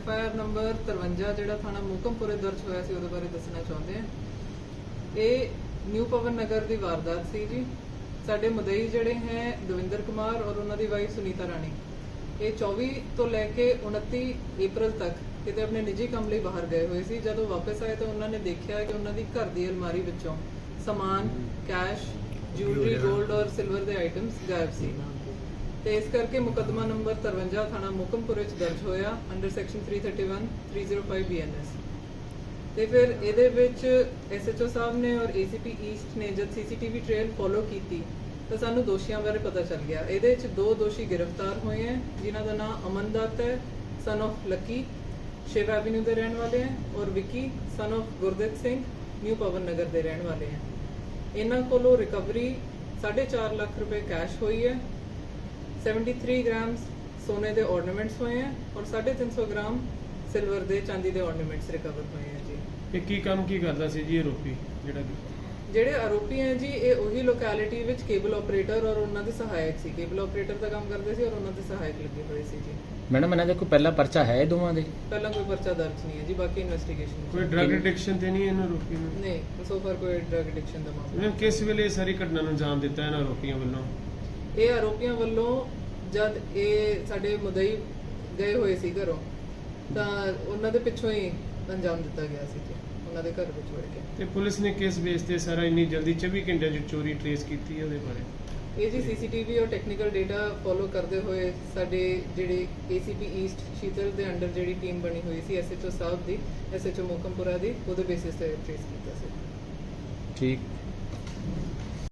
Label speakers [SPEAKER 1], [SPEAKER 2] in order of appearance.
[SPEAKER 1] FIR number 53 ਜਿਹੜਾ ਥਾਣਾ ਮੋਕਮਪੁਰੇ ਦਰਜ ਹੋਇਆ ਸੀ ਉਹਦੇ ਬਾਰੇ ਦੱਸਣਾ ਚਾਹੁੰਦੇ ਹਾਂ। ਇਹ ਨਿਊ ਪਵਨ ਨਗਰ ਦੀ ਵਾਰਦਾਤ ਸੀ ਜੀ। ਸਾਡੇ ਮੁਦਈ ਜਿਹੜੇ ਹੈ ਦਵਿੰਦਰ ਕੁਮਾਰ ਔਰ ਉਹਨਾਂ ਦੀ ਵਾਈਫ ਸੁਨੀਤਾ ਰਾਣੀ, ਇਹ 24 ਤੋਂ ਲੈ ਕੇ 29 ਅਪ੍ਰੈਲ ਤੱਕ ਕਿਤੇ ਆਪਣੇ ਨਿੱਜੀ ਕੰਮ ਲਈ ਬਾਹਰ ਗਏ ਹੋਏ ਸੀ। ਜਦੋਂ ਵਾਪਸ ਆਏ ਤਾਂ ਉਹਨਾਂ ਨੇ ਦੇਖਿਆ ਕਿ ਉਹਨਾਂ ਦੀ ਘਰ ਦੀ ਅਲਮਾਰੀ ਵਿੱਚੋਂ ਸਮਾਨ, ਕੈਸ਼, ਜੁਐਲਰੀ, 골ਡ ਔਰ ਸਿਲਵਰ ਦੇ ਆਈਟਮਸ ਗਾਇਬ ਸੀ ਤੇ ਇਸ ਕਰਕੇ ਮੁਕੱਦਮਾ ਨੰਬਰ 53 ਥਾਣਾ ਮੋਕਮਪੁਰੇ ਚ ਦਰਜ ਹੋਇਆ ਅੰਡਰ ਸੈਕਸ਼ਨ 331 305 BNS। ਤੇ ਫਿਰ ਇਹਦੇ ਵਿੱਚ SHO ਸਾਹਿਬ ਨੇ ਔਰ ACP ਈਸਟ ਨੇ ਜਦ CCTV ਟ੍ਰੇਲ ਫੋਲੋ ਕੀਤੀ ਤਾਂ ਸਾਨੂੰ ਦੋਸ਼ੀਆਂ ਬਾਰੇ ਪਤਾ ਚੱਲ ਗਿਆ। ਇਹਦੇ ਵਿੱਚ 2 ਦੋਸ਼ੀ ਗ੍ਰਿਫਤਾਰ ਹੋਏ ਹਨ ਜਿਨ੍ਹਾਂ ਦਾ ਨਾਮ ਅਮਨ ਦੱਤ ਹੈ, son of Lucky, Shiv avenue ਦੇ ਰਹਿਣ ਵਾਲੇ ਹਨ, ਔਰ Vicky son of Gurdev Singh, new Pawan Nagar ਦੇ ਰਹਿਣ ਵਾਲੇ ਹਨ। ਇਹਨਾਂ ਕੋਲੋਂ ਰਿਕਵਰੀ 4.5 ਲੱਖ ਰੁਪਏ ਕੈਸ਼ ਹੋਈ ਹੈ, 73 ਗ੍ਰਾਮ ਸੋਨੇ ਦੇ ਆਰਨਾਮੈਂਟਸ ਹੋਏ ਹਨ ਔਰ 350 ਗ੍ਰਾਮ ਸਿਲਵਰ ਦੇ ਚਾਂਦੀ ਦੇ ਆਰਨਾਮੈਂਟਸ ਰਿਕਵਰ ਹੋਏ ਹਨ ਜੀ।
[SPEAKER 2] ਇਹ ਕੀ ਕੰਮ ਕੀ ਕਰਦਾ ਸੀ ਜੀ ਆਰੋਪੀ?
[SPEAKER 1] ਜਿਹੜੇ ਆਰੋਪੀ ਹੈ ਜੀ ਇਹ ਉਹੀ ਲੋਕੈਲਿਟੀ ਵਿੱਚ ਕੇਬਲ ਆਪਰੇਟਰ ਔਰ ਉਹਨਾਂ ਦੇ ਸਹਾਇਕ ਸੀ। ਕੇਬਲ ਆਪਰੇਟਰ ਦਾ ਕੰਮ ਕਰਦੇ ਸੀ ਔਰ ਉਹਨਾਂ ਦੇ ਸਹਾਇਕ ਲੱਗੇ ਹੋਏ ਸੀ ਜੀ।
[SPEAKER 3] ਮੈਡਮ ਇਹਨਾਂ ਦਾ ਕੋਈ ਪਹਿਲਾ ਪਰਚਾ ਹੈ ਦੋਵਾਂ ਦੇ?
[SPEAKER 1] ਪਹਿਲਾਂ ਕੋਈ ਪਰਚਾ ਦਰਜ ਨਹੀਂ ਹੈ ਜੀ, ਬਾਕੀ ਇਨਵੈਸਟੀਗੇਸ਼ਨ।
[SPEAKER 2] ਕੋਈ ਡਰਗ ਐਡਿਕਸ਼ਨ ਤੇ ਨਹੀਂ ਇਹਨਾਂ ਆਰੋਪੀ ਨੂੰ?
[SPEAKER 1] ਨਹੀਂ, ਸੋ ਫਾਰ ਕੋਈ ਡਰਗ ਐਡਿਕਸ਼ਨ ਦਾ ਮਾਮਲਾ।
[SPEAKER 2] ਇਹਨਾਂ ਕਿਸ ਵੇਲੇ ਸਾਰੀ ਘਟਨਾ ਨੂੰ ਅੰਜਾਮ ਦਿੱਤਾ ਇਹਨਾਂ ਆਰੋਪੀਆਂ ਵੱਲੋਂ?
[SPEAKER 1] ਇਹ ਆਰੋਪੀਆਂ ਵੱਲੋਂ ਜਦ ਇਹ ਸਾਡੇ ਮੁਦਈ ਗਏ ਹੋਏ ਸੀ ਘਰੋਂ ਤਾਂ ਉਹਨਾਂ ਦੇ ਪਿੱਛੋਂ ਹੀ ਅੰਜਾਮ ਦਿੱਤਾ ਗਿਆ ਸੀ ਜੀ, ਉਹਨਾਂ ਦੇ ਘਰ ਵਿੱਚ ਵੜ ਕੇ।
[SPEAKER 2] ਤੇ ਪੁਲਿਸ ਨੇ ਕਿਸ ਬੇਸ ਤੇ ਸਾਰਾ ਇੰਨੀ ਜਲਦੀ 24 ਘੰਟਿਆਂ 'ਚ ਚੋਰੀ ਟ੍ਰੇਸ ਕੀਤੀ ਹੈ ਉਹਦੇ ਬਾਰੇ?
[SPEAKER 1] ਇਹ ਜੀ CCTV ਔਰ ਟੈਕਨੀਕਲ ਡੇਟਾ ਫੋਲੋ ਕਰਦੇ ਹੋਏ ਸਾਡੇ ਜਿਹੜੇ ACP ਈਸਟ ਸ਼ੀਤਲ ਦੇ ਅੰਡਰ ਜਿਹੜੀ ਟੀਮ ਬਣੀ ਹੋਈ ਸੀ SHO ਸਾਹਿਬ ਦੀ, SHO ਮੋਕਮਪੁਰਾ ਦੀ, ਉਹਦੇ ਬੇਸਿਸ ਤੇ ਟ੍ਰੇਸ ਕੀਤਾ ਸੀ।
[SPEAKER 3] ਠੀਕ।